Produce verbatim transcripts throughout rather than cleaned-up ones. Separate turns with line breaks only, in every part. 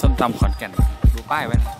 ส้มตำขอนแก่นดูป้ายไว้นะ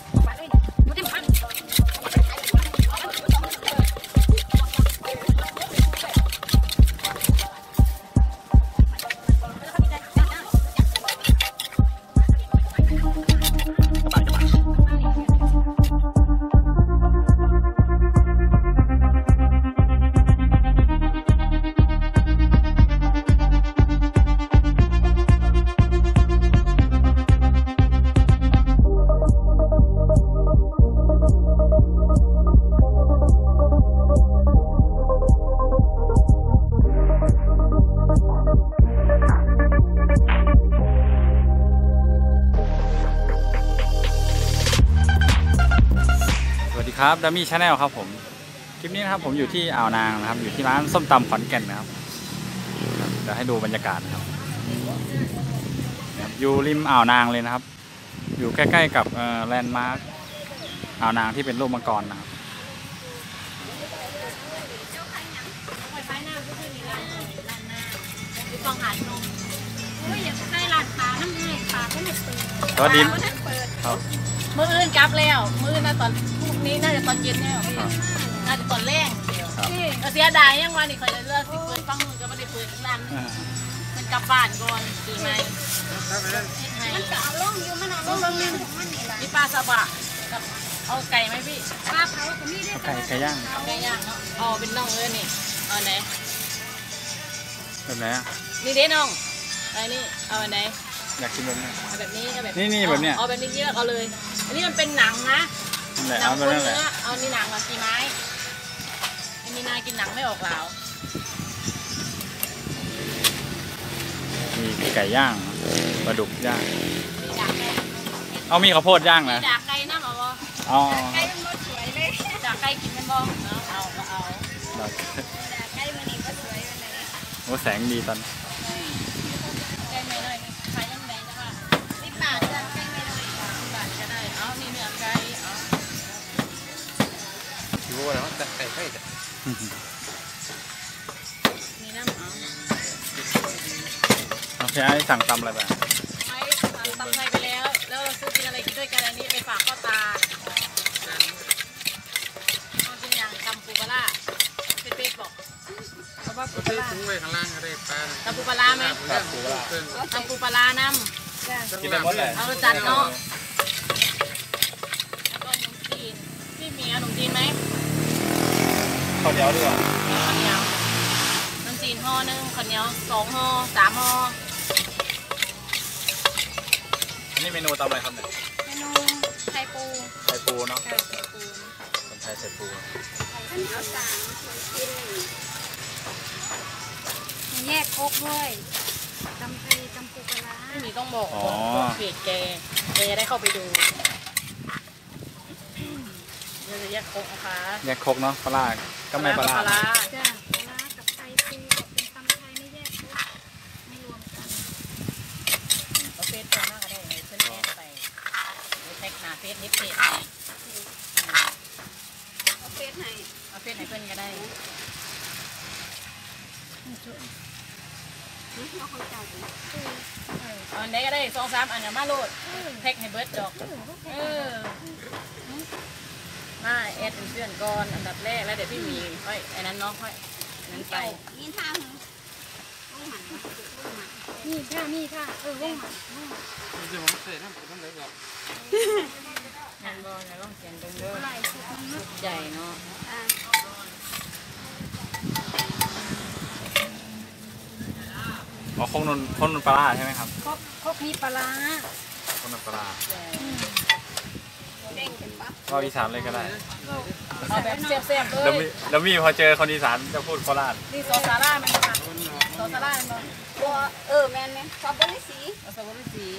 ครับดัมมี่ชาแนลครับผมคลิปนี้นะครับผมอยู่ที่อ่าวนางนะครับอยู่ที่ร้านส้มตำขอนแก่นนะครับเดี๋ยวให้ดูบรรยากาศนะครับอยู่ริมอ่าวนางเลยนะครับอยู่ใกล้ๆกับแลนด์มาร์คอ่าวนางที่เป็นรูปมังกรนะครับสวัสดีครับ
มื้ออื่นกลับแล้วมื้อน่าตอนพรุ่งนี้น่าจะตอนเย็นเนี่ยพี่น่าจะตอนแรกเสียดายยังวันนี้คอยเลือกสิเปิดฟังนู่นก็ไม่ได้เปิดร้านมันกลับบ้านก่อนดีไหมมันจะเอาล่องอยู่มันเอาล่องอยู่มีปลาสบะกับเอาไก่ไหมพี่ปลาเผาก็มีได้
ไก่ไก่ย่าง
เอาไก่ย่างเนาะอ๋อเป็นน่องเลยนี่เอาไหน
แบบไหนอ่ะ
นี่เด้น่องไอ้นี่เอาไหน
อยากกินแบบนี้
แบบนี้ก็แบบ
นี่นี่แบบเนี้ย
เอาแบบนี้เยอะเอาเลยอันนี้มันเป็นหนังนะหนังคนเนื้อเอานี่หนังมากี่ไม้อันนี้นายกินหนังไม่ออกแล้ว
มีไก่ย่างปลาดุกย่างเอามีข้าวโพดย่างนะ
ดากไก่น้ำเอาบ่
อ๋อ
ไก่มันสวยเลยดากไก่กินมันบ่เอาเอาเอา
ดาก
ไก่มันนี่ก็สวยเลย
โอ้แสงดีตอน
ไก่ไม่เลยขายยังไงนะว่าสิบบาทจ้ะไก่ไม่เลยสิบบาทก็ได้เอานี่เนื้อไก่เอา
คิดว่าอะไรวะแต่ไก่ไก่จ้ะ
นี่น้ำเอา
โอเคไอ้สั่งตำอะไรไป
ไอ้ตำไทยไปแล้วแล้วเราซื้อกินอะไรกินด้วยกันอันนี้ไปฝากพ่อตาเอาจริงอย่างตำปูปลาเป็นเป็ดบอกเพราะว่าปูปลา
ตุ้งไว้ข้างล่างก็ได้ปลา
ตำปูปลาไหมตำปูปลาน้ำ
กินได้หมดเลย
เอาจัดเนาะแล้วก็ขนมจีนพี่มีขนมจีนไหม
ข้าวเหนียวด้วย
ข้าวเหนียวขนมจีนห่อหนึ่งข้าวเหนียวสองห่อสามห่อ
อันนี้เมนูตำอะไรครับเนี่ย
เมนูไข่ปู
ไข่ปูเนาะ
ไข่ปู
คนไทยไข่ปู
ข้าวเหนียวสามกินมีแยกโคกด้วยตำไทยตำปูปลาไม่มีต้องบอกเพจแกแกจะได้เข้าไปดูเดี๋ยวจะแยกโคกนะคะ
แยกโคกเนาะปลาก็ไม่ปลา
ปลาจ้ะปลากับไทยปูเป็นตำไทยไม่แยกโคกไม่รวมกันเอาเฟซตัวมากก็ได้เพื่อนแอดไปแท็กหาเฟซนิดเพจเอาเฟซไหนเอาเฟซไหนเพื่อนก็ได้อันไหนก็ได้สองสามอันอย่ามาโหลดแท็กให้เบิร์ดดอกเออมาแอดเป็นเพื่อนก่อนอันดับแรกแล้วเดี๋ยวพี่มีค่อยไอ้นั้นน้องค่อยนั้นไปนี่ท่าหงวงหมันนี่ท่านี่ท่าเออวงหมัน
เดี๋ยวผมเสร็จนะผมต้องเลยก่อน
งานบอลนะต้องเขียนตรงด้วยใหญ่เนาะ
อ๋อโคกนนโคกนนปลาใช่ไหมครับ
โคกโคกมีปลา
โคกนนปลาก็อีสานเลยก็ได้
เอาแบบเสียบๆเลย
แล้วมีพอเจอคนอีสานจะพูดโคราช
นี่ซอสซาร่ามันค่ะซอสซาร่ามันตัวเออแมนแมนซอสบริสีซอสบริสี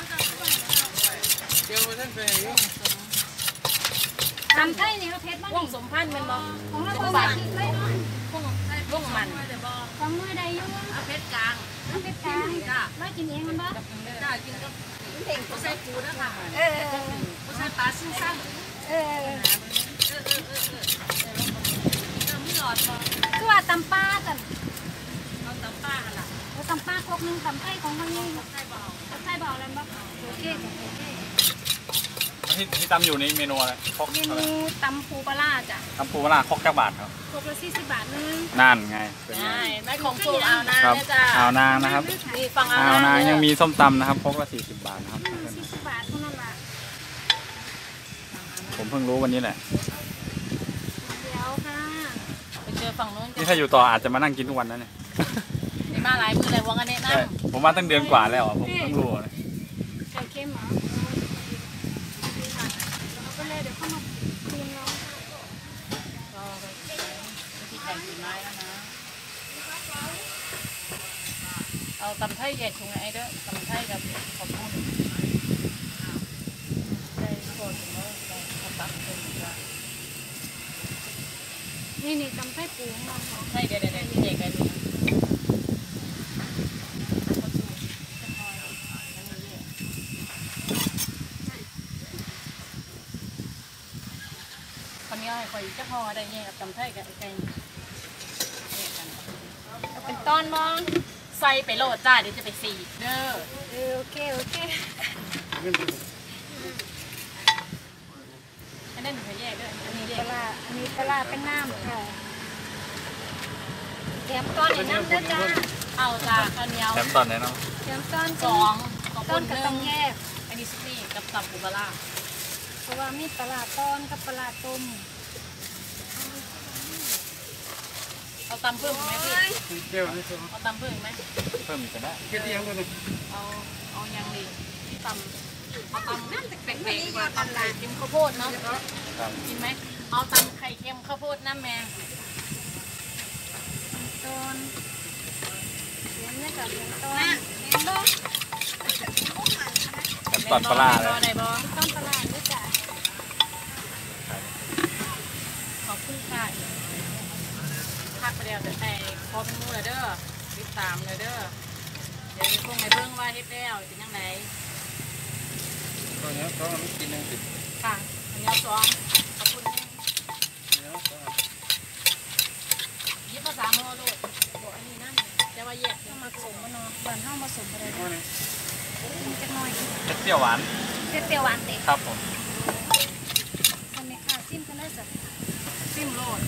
เกี่ยวกับท่านเป็นยัง
ทำไทยนี่เขาเพชรบ้างวงสมพันธ์มันบอกของเราบ้านวงวงมันของมือใดยุ่งเอาเพชรกลางเอาเพชรกลางจ้ะไม่กินเองมันบ้างจ้ะกินกับเพ่งเขาใส่ปูนะคะเออเขาใส่ปลาซึ่งซ้ำเออเออเออเออเออเออไม่หลอดพอคือว่าตำป้ากันเราตำป้ากันล่ะเราตำป้าครกนึงตำไทยของเขานี่ไทยเบาไทยบอกแล้วบอกโอเคโอเค
ที่ที่ตำอยู่ในเมนูอะไรครก
เมนูตำปูปลาจ้ะ
ตำปูปลาครกแก้วบาทครับ
ครกละสี่สิบบาทนึง
นั่นไงเป็นไง
ใช่ได้ของสูตรเอานะ
ครับ
เนี่ยจ้ะ
อ่าวนางนะครับ
นี่ฟังเอา
อ่าวนาง
นะ
ยังมีส้มตำนะครับครกละสี่สิบบาทนะครับ
สี่สิบบาทเท่านั้นแหละ
ผมเพิ่งรู้วันนี้แหละ
เดี๋ยวค่ะ
ไปเจอฝั่งนู้นกั
นี่ถ้าอยู่ต่ออาจจะมานั่งกินทุกวันนะเนี่ย
นี่มาหลายมือเลยวงกันแนะน
ใช่ผมมาตั้งเดือนกว่าแล้วอ่ะผมเพิ่งรู้นะ
ไข่เค็มเหรอเอาไปเลยเดี๋ยวเข้ามาคืนเรา
ำก็วิธีแต่งสีไม้แล้วนะเอาตำไทยแยกถุงไอ้เด้อตำไทยกับขอบคุณได้โคตรแล้วได้ขอบคุณเป็นว่า
นี่นี่ตำไส้ปูของเราค่ะ
ใช่เดี๋ยวเดี๋ยวเดี๋ยวแยกกันนะคนนี้ให้คอยจะพอได้แยกกับตำไทยกับไอ้ไก่แยกกัน
เอาเป็นตอนมอง
ใส่ไปโหลดจ้าเดี๋ยวจะไปสีเด้อ
เออโอเคโอเค
อันนั้นหนูจะแยกด้วยอันนี้แย
ป
ก
ลาอันนี้ปลาเป็นน้ำค่ะแถมก้อนในน้ำเด้อจ้า
เอาจ้าข้าวเหนียว
แถมตอนไหนเนาะ
แถมก้อน
สองขอบ
ก้
คุ
อน
ณ
ก็
หนึ่
ต้อง งแยก
อันนี้ซุปนี่กับตับปูปลา
เพราะว่ามีปลาต้อนกับปลาต้ม
เอาตำเพิ่มไหมพี่
เดี๋ยวนี่สิ
เอาตำเพิ่มไหม
เพิ่มอีกก็ได้
เกี่ยวยังเลย
เอาเอายังดีตำเอาตำแปลกๆดีกว่าตำไข่เค็มข้าวโพดเนาะ
ครับ
กินไหมเอาตำไข่เค็มข้าวโพดน้ำแมง
ต้นเลี้ยงเนี่ยกับเลี้ยงต้นเลี้ยงต้น
แถมตอนปลาเลย
ได้บ่
ต้นปลาด้วยจ้ะ
ขอบคุณค่ะพักไปแล้วแต่แต่พอเป็นมือเด้อติดตามเลยเด้อเดี๋ยวคงในเบื้องว่าเฮ็ดแล้วเป็นยังไง
ตอนนี้ต้องกินหนึ่งสิ
ค่ะอันนี้สองขอบคุณยิบภาษาโมดูบอกอันนี้นั่นจะว่าแยก
ต้องมาสมมันเนาะบ้านเฮามาสมอะไร
เอาเนี่ย
มันจะน้อย
เปรี้ยวหวาน
เปรี้ยวหวานเด็ก
ครับผม
ทำในข้าวซิมกันได้สัก
ซิมโลด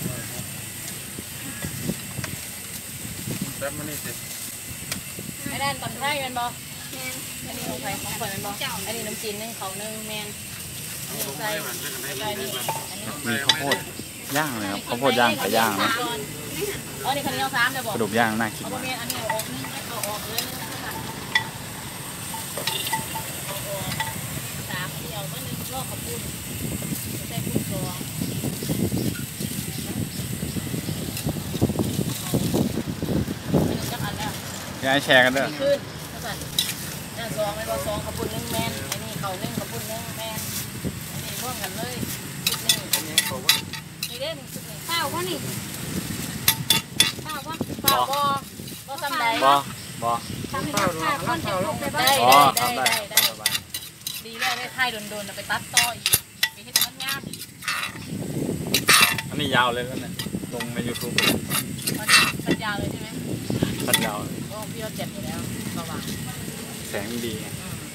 แป๊บมันนี่สิ
ไอ้ด้านตำไทยแมนบอ
แมน
อันนี้ของใครของคนแมนบออันนี้น้ำจีนนึ่งเขานึ่งแมนอันนี้ใส่ใส่นี่อันนี้
มีข้าวโพดย่างเลยครับข้าวโพดย่างไก่ย่างนะ
อ๋อนี่คันนี้เอาสามเดี๋ยวบอก
กระดูกย่างน่ากิน
เอา
มาก
เมียนอันนี้เอาออกนึงเอาออกเลยนึงค่ะเอาออกสามเดียวก็นึงก็ขอบคุณใส่กุ้งสองอันนี้จักอันแล้ว
อยากให้แชร์กันด้วย
ขึ้นภาษาหน้าซองไม่บอกซองขบุญหนึ่งแมนไอ้นี่เขาหนึ่งขบุญหนึ่งแมนอันนี้ร่วมกันเลยชุดนี้
อันนี้เขาว่า
นี่เด้หนึ่งชุดนี้
ข้าววะนี่ข้าววะ
เปล่าบ่บ่ซ้ำใด
บอ บอ
ทำให้ข้าวข้าวก้อนจะพกไปบ้า
ได้
ง
อ๋อ
ได้
ทำได้
ได้ได้
สบาย
ดีได้ได้ถ่ายโดนๆไปตัดต่ออีกไปเฮ็ดมันงาม
อันนี้ยาวเลยแล้วเนี่ยลงใน ยูทูบ
มันมันยาวเลยใช่ไหม
ตัดยาวเลย
โอ้พี่เอาเจ็บอยู่แล้วระวัง
แสงดีไง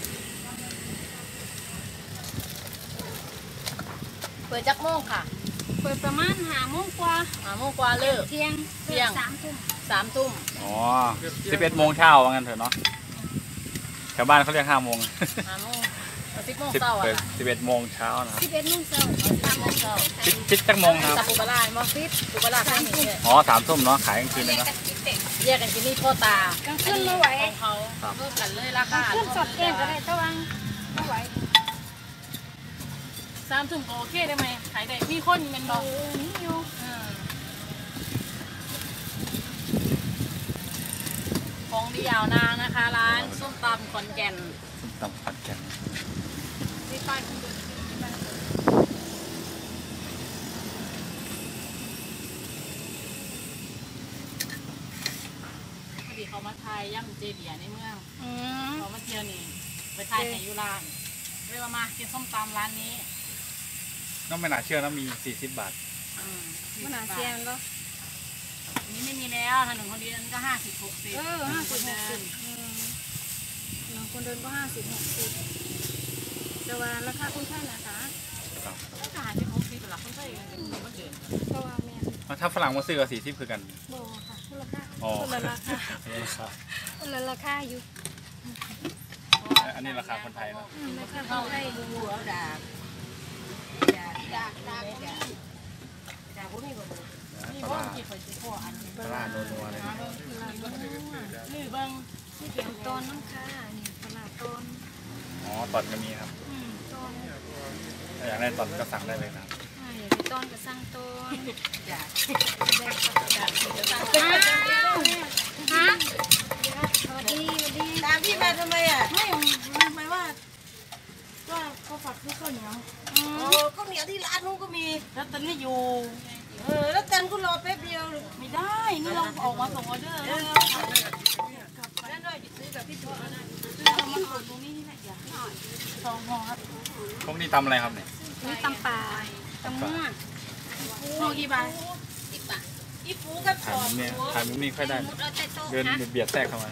เปิดจักโมงค่ะ
เปิดประมาณห้าโมงกว่า
หาโมงกว่าเลิก
เที่ยง
เที่ยง
สามทุ่ม
สามทุ่ม
อ๋อสิบเอ็ดโมงเช้าว่างั้นเถอะเนาะแถวบ้านเขาเรียกห้าโมง
หาโมงสิบโมง
สิบ
เช้าอ่ะ
เปิดสิบเอ็ดโมงเช้านะครับ
สิบเอ็ดโมงเช้า
สามโมงเช้า
คิดคิดจักโมงครับ
จับปูปลาไหมฟิตปูปลาข้างนี้
อ๋อสามทุ่มเนาะขายกลางคืนเลยเนาะ
แยกกันกินนี่พ่อตาก
ลางคืนไม่ไหว
ของเขาเพิ่มกันเลยราคาก
ลางคืนสดเองก็ได้ตะวังไม่ไหว
สามทุ่มก็โอเคได้ไหมขายได้มีคนเป็นบ
โอ้
อก
นี่อยู่
ของดียาวนางนะคะ ร้านส้มตำขอนแก่น
ตำผัดแกง
ที่ป้ายคุณดูที่ป้ายคุณพอดีเขามาไทยย่ำเจเดียในเมือง
อืม
เขามาเที่ยวนี่ไปไทยในยุรานเรียกว่ามากินส้มตำร้านนี้
น้องไม่น่าเชื่อนะมีสี่สิบบาท
อืม
มันหาเสียงแล้ว
อันนี้ไม่มีแล้วถนนคนเดียวก็ห้าสิบหกสิบ
เออห้าสิบหกสิบ
เ
อืมเนาะคนเดินก็ห้าสิบหกสิบแต่ว่าราคาคนไข้นะคะ
ครับ
ทหารที่เขาซื้อตลาดคนไทยเป็นคนเดิน
เพราะว่าแม่
ถ้าฝรั่งมาซื้อกับสีที่คือกัน
โบค่ะคนละราคา
อ๋อ
คนละราคา
ราคา
คนละราคาอยู่
อันนี้ราคาคนไทยนะ
อืมราคาคนไข้
หัวดาบดาบดาบดาบดาบพวกนี้ก็นี่ว่ากี่คนสิพ่ออันนี้
ปลาโนัวๆเลยนะ
นี่เบิ้ง
นี่เกี่ยวต้นน้ำค่ะนี่ตลาดต้น
อ๋อตอนก็มีครับ
อืมต้น
ถ้าอยากได้ตอนก็สั่งได้เลยนะ
อ่าอยากได้ต้นก็สั่งต้น
จ้ะ
ได้
จ้ะจะตั้ง
อ้าวฮะสวัสดีสวัสดี
ตามพี่มาทำไมอ่ะไม่ทำไมว่าว่าเขาฝากซื้อข้าวเหนียว
อืม
โอ้ข้าวเหนียวที่ร้านนู้นก็มีแล้วตันไม่อยู่เออแล้วตันก็รอแป๊บเดียวไม่ได้นี่เราออกมาส่งออเดอร์แล้วนั่นด้วยไปซื้อกับพี่ตัวนะซื้อเรามาส่งตรงนี้นี่แหละอย่าสองห่อครับ
พวกนี้ตำอะไรครับเนี่ย
นี่ตำป่าตำม่วง
ห่อกี่บาทสิบบาทอีฟูกับส
ถ่าย
อง
มุมนี้ถ่ายมุมนี้ค่อยได้ เดินเบียดแทรกเข้ามา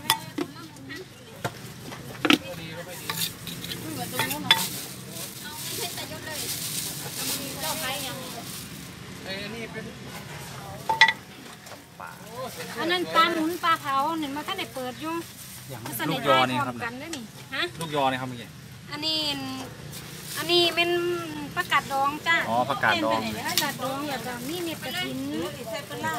เหมือนตรงนู้นเนาะ
เจ้าใครยัง
ไอ้นี่เป็น
ป่า
อันนั้นปลาหนุนปลาเผาเห็นมาท่านได้เปิดอยู่
อย่าง
มัน
ลูกยอนี่ครับ
กันได้นี่ฮะ
ลูกยอนี่ครับเมื่อกี้
อันนี้อันนี้เป็นประกาศดองจ้า
อ๋อผักกาดดอง
ประกาศดองอย่างกับนี่เม็ดกระถิน
ใส่ปลา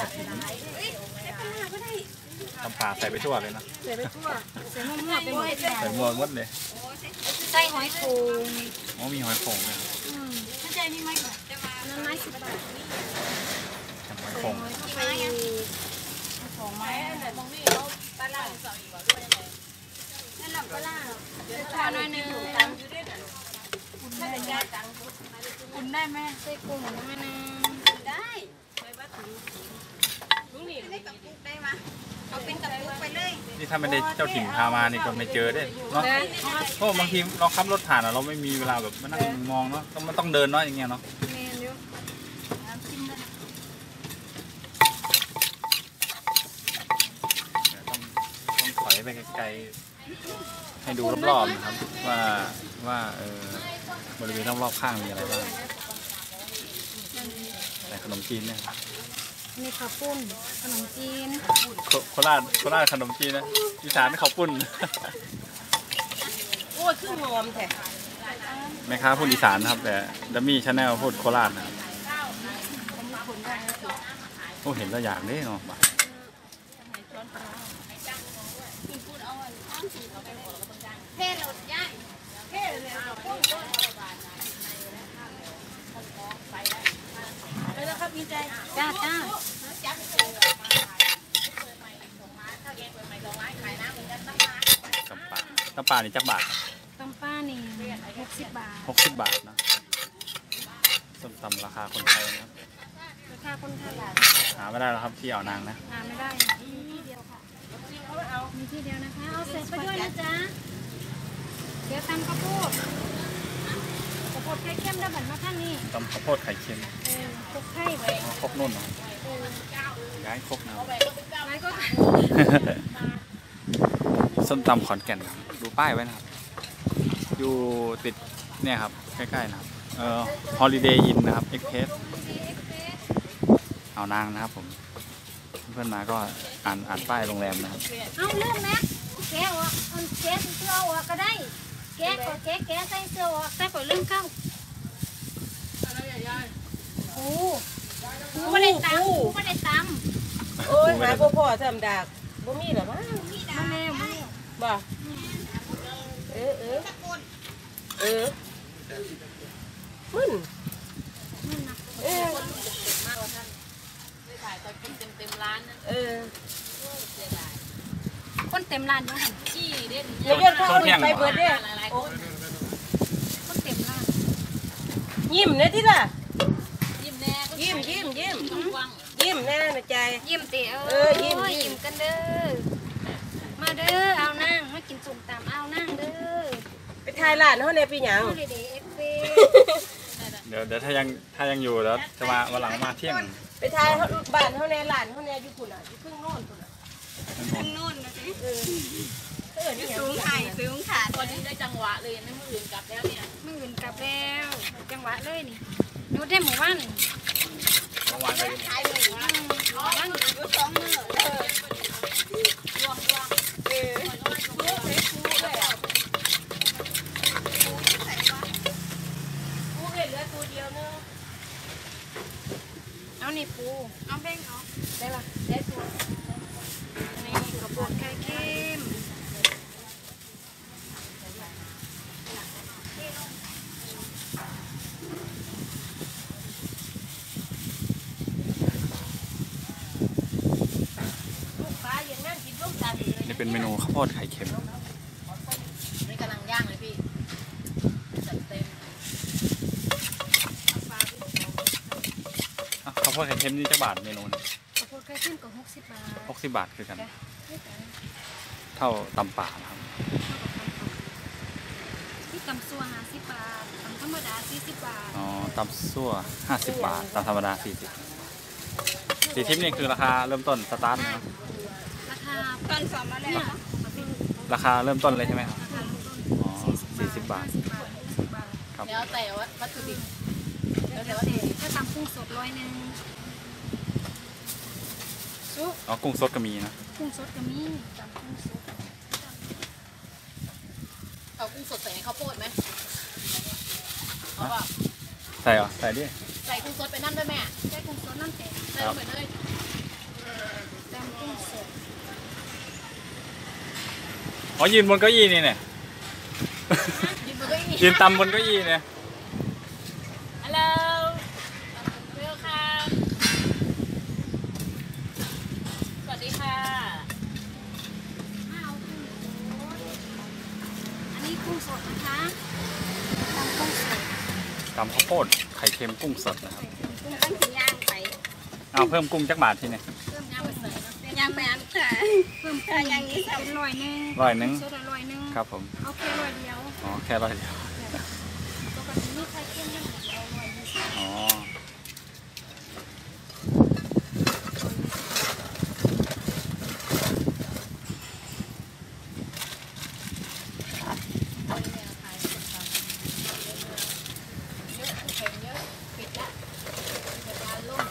ตำป่าใส่ไปทั่วเลยนะ
ใส่ไปทั่วใส่มั่วๆไปหมด
ใส่หมวกหมดเลย
ใส่หอยโขง
อ๋อมีหอยโข่งเลย
อืม
เข้าใจนี่ไหมก่อน
อันนั้นไม้สิบบาท
หอย
ใส่
โข่ง
หอยเข้าไปอีก
ของไม้แต่มองนี่เขาปลาล่าสองอีกว่าด้วยอะไร
นั่นแหละปลาล่าใส่ปลาหน่อยหนึง
ตังอยู่ด้วยน่ะคุณได้ยาตังคุณได้ไหม
ใส่กุ้งหน่อยหนึง
ได้ไปบ้านถึงลุงนี่ได้กับปุ๊กได้มาเอาเป็นกับปุ๊กไปเลย
นี่ถ้าไม่ได้เจ้าถิ่นพามานี่ก็ไม่เจอได้เนาะเพราะบางทีเราขับรถผ่านอะเราไม่มีเวลาแบบมานั่งมองเนาะต้องมันต้องเดินเนาะอย่างเงี้ยเนาะ
เมนอยู่
ต้องต้องถอยไปไกลๆให้ดูรอบๆนะครับว่าว่าเออบริเวณรอบๆข้างมีอะไรบ้างแต่ขนมจีนเนี่ย
นี่ข้าวปุ้นขนมจีน
โคโคราชโคราชขนมจีนนะอีสานข้าวปุ้น
โอ้ยขึ้นงอมแท้
แม่ค้าพูดอีสานนะครับแต่ดัมมี่ชาแนลพูดโคราชนะครับโอ้เห็นแล้วอยากเด้เนาะ
เท่หลุดย่าย
ไปแล้วครับพี่ใจ
จ้าจ้า
ตำป่าตำป่านี่จักบาท
ตำป้านี่หกสิบบาท
หกสิบบาทนะส้มตำราคาคนไทยนะครับ
ราคาคนไทย
หาไม่ได้แล้วครับที่อ่าวนางนะ
หาไม่ได้มีที่เดียวค่ะมีที่เดียวนะคะเอาเสร็จไปด้วยนะจ๊ะเดี๋ยวตำข้าวโพดข้าวโพดไข่เค็มได้บัตรมาท่านนี่
ตำข้าวโพดไข่เค็ม
เออคลุกไข่ไว้
อ๋อครกนุ่นเนาะ
เออ
ย้ายครกนะ
ไว้ก็
ส้มตำขอนแก่นครับดูป้ายไว้นะครับ อยู่ติดเนี่ยครับใกล้ๆนะครับเอ่อ Holiday Inn นะครับ Express อ่าวนางนะครับผมเพื่อนมาก็อ่านอ่านป้ายโรงแรมนะครับ
เอาเรื่องนะแกะออกเอาแกะเสื้อออกก็ได้แกะก็แกะแกะใส่เสื้อออกใส่ก่อนเรื่องเข้าโอ้กูไม่ได้ตำกูไม่ได้ตำ
โอ้ยหาพ่อพ่อทำดากบ่มีหรอมั้ง
มาแล้วมาแล้ว
บ่เออเออเออมึน
นั่นนะ
เออ
ถ่ายตอนกินเต็มเต็มร้านนะ
เออ
คนเต็มร้านอยู่หัน
ขี้เด่น
เดี๋ยวเดี๋ยวเข้าไปเบิดเด้อ
หลายๆคน
คนเต็มร้าน
ยิ้มเนี่ยที่ล่ะ
ยิ้มแน่
ยิ้มยิ้มยิ้ม
กว้าง
ยิ้มแน่นะใจ
ยิ้มเต๋อ
เออยิ้ม
ยิ้มกันเด้อมาเด้อเอานั่งมากินสุ่มตามเอานั่งเด้อ
ไปถ่ายร้านเขาเนี่ยปีหยัง
เอาเด็ดเอฟเฟ
เดี๋ยวเดี๋ยวถ้ายังถ้ายังอยู่แล้วจะมาวันหลังมาเที่ยง
ไปถ่ายบ้านเขาเนี่ยร้านเขาเนี่ยอยู่พุ่นอ่ะอยู่ครึ่งโน่นพุ่นอ่ะ
นู่นนะสิ
เออไป
สูงไห่สูงขาด
ตอนนี้ได้จังหวะเลยไม่มืออื่นกลับแล้วเนี่ย
มืออื่นกลับแล้วจังหวะเลยนี่นูได้หมู่บ้าน
เมื่อวานไป
ขายเลยว่าบ้านอยู่สองมือเออรวมรวมเออคูเลยคูเลยอ่ะคูเลยเหลือตัวเดียวเนอะเอานี่ปูเอาแบ่งเอาได้ปะได้ตัวนี่กระบอกไข่เค็ม
นี่เป็นเมนูข้าวโพดไข่เค็ม
นี่กำลังย่างเลยพี่จัดเต็ม
อ่ะข้าวโพดไข่เค็มนี่จะบาทเมนูนึง
ข้าวโพดไข่เค็มก็หกสิบบาท
หกสิบบาทคือกัน เท่าตำป่านะครับ
ที่ตำซัวห้าสิบบาทตำธรรมดาสี่สิบบาท
อ๋อตำซั่วห้าสิบบาทตำธรรมดาสี่สิบสี่ทิปนี่คือราคาเริ่มต้นสตาร์ทนะครับ
ราคาตอนสอนมาแล้ว
ราคาเริ่มต้นเลยใช่ไหมครับ
ราคาเริ่มต้น
อ๋อสี่สิบบาท
ห้สิบบาทหกสิบบาท
ครับ
แล้วแต่ว่าวัตถุดิบ
แล้วแต่ว่าเด็กถ้าตำกุ้งสดร้อยหนึ่งซุป
อ๋อกุ้งสดก็มีนะ
กุ้งสดก็มีตำกุ้งสด
เอากุ้งสดใส่ในข้าวโพดไหมเอาเปล่า
ใส่เหรอใส่ดิ
ใส่กุ้งสดไปนั่นด้วยแม่
ใช้กุ้งสดน้ำแตก
ใส่ลงไปเลย
ตำกุ้งสด
อ๋อยืนบนเก้าอี้นี่เนี่ย
ยืนบนเก้าอี้
ยืนตำบนเก้าอี้เนี่ย
ฮัลโหลเวลค่ะสวัสดีค่ะ
ข้าวกุ้งสดอันนี้กุ้งสดนะคะตำกุ้งสด
ตำข้าวโพดไข่เค็มกุ้งสดนะครับ
กุ้งตั้งถึงย่างไป
เอาเพิ่มกุ้งจักบาทที่เนี่ย
เพิ่ม
ย่างไปใส่นะ
ย่างไปอันค่ะเพิ่มกุ้งอย่างนี้เป็นร้อยหนึ่ง
ร้อยหนึ่ง
สดร้อยหนึ่ง
ครับผม
เอาแค่ร้อยเดียว
อ๋อแค่ร้อยเดียว
ปกติมีไข่เค็มนั่นเอาร้อยยี่สิบ
อ๋อ
เยอะเค็มเยอะปิดละเป็นร้านล่ม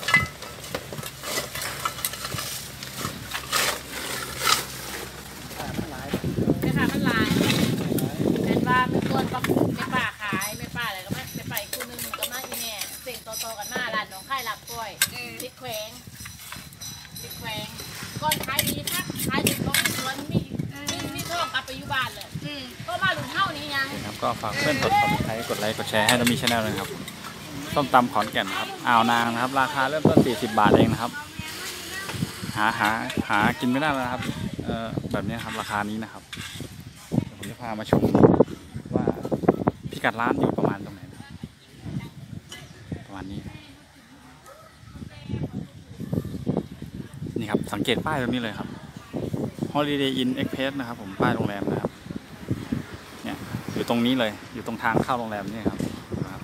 แม่ค้ามันลายเป็นว่าเป็นคนปักไม่ป่าขายไม่ป่าอะไรก็ไม่ไม่ป่าอีกคู่นึงก็มาอีแม่เสียงโตๆกันมาร้านน้องไข่หลับกล้วยติดแขวงติดแขวงก่อนขายดีทักขายดีก็ไม่สวนมีมีมีท่องกลับไปอยู่บ้านเลย
อืม
ก็มาหลุมเท่านี้ยัง
โอเคครับก็ฝากเพื่อนกดติดตามกดไลค์กดแชร์ให้เรามีช anel เลยนะครับส้มตำขอนแก่นนะครับอ่าวนางนะครับ ราคาเริ่มต้นสี่สิบบาทเองนะครับ หาหาหากินไม่ได้แล้วนะครับเออแบบนี้ครับราคานี้นะครับเดี๋ยวผมจะพามาชมว่าพิกัดร้านอยู่ประมาณตรงไหนนะประมาณนี้ นี่ครับสังเกตป้ายตรงนี้เลยครับ Holiday Inn Express นะครับผมป้ายโรงแรมนะครับเนี่ยอยู่ตรงนี้เลยอยู่ตรงทางเข้าโรงแรมนี่ครับนะครับ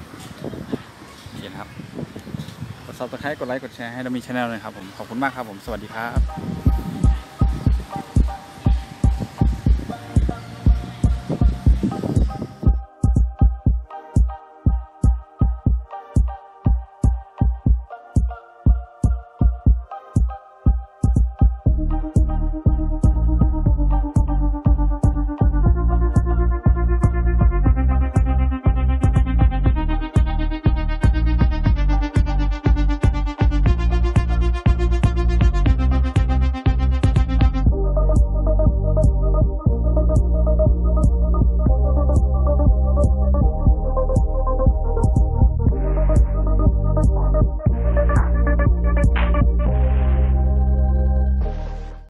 โอเคนะครับกด ซับสไครบ์ กดไลค์กดแชร์ให้เรามีช anel เลยครับผมขอบคุณมากครับผมสวัสดีครับ